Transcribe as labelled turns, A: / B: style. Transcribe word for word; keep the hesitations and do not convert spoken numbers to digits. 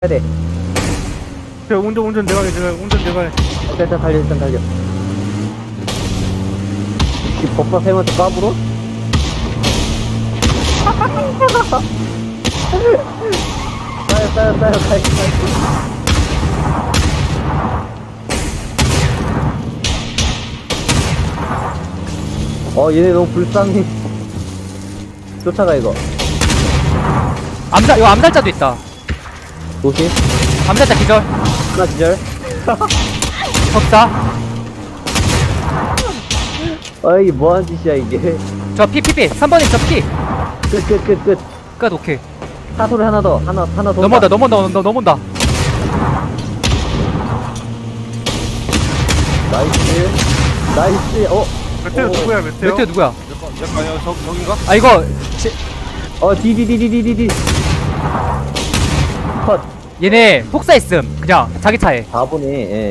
A: 해야 돼.
B: 야, 운전 운전 내가 해 내가 해, 운전 내가 해.
A: 일단 일단 달려 일단 달려. 이 법사 쌤한테 까불어? 싸요 싸요 싸요 가요 가요. 어 얘네 너무 불쌍해. 쫓아가 이거.
C: 암살 이거 암살자도 있다.
A: 조심.
C: 암살자 기절.
A: 하나 기절.
C: 법사.
A: 어이 뭐하는 짓이야 이게.
C: 저 피 피 피. 삼 번님 저 피.
A: 끝 끝 끝 끝.
C: 끝 오케이.
A: 사소리 하나 더 하나 하나 더.
C: 넘어온다 넘어온다 넘어온다 넘어온다.
A: 나이스 나이스. 어.
B: 메테오
A: 오.
B: 누구야 메테오?
C: 메테오 누구야?
B: 잠깐 야 저, 저긴가?
C: 아 이거 지,
A: 어 디디디디디디디. 컷.
C: 얘네 폭사했음. 그냥 자기 차에.
A: 사 번이 예.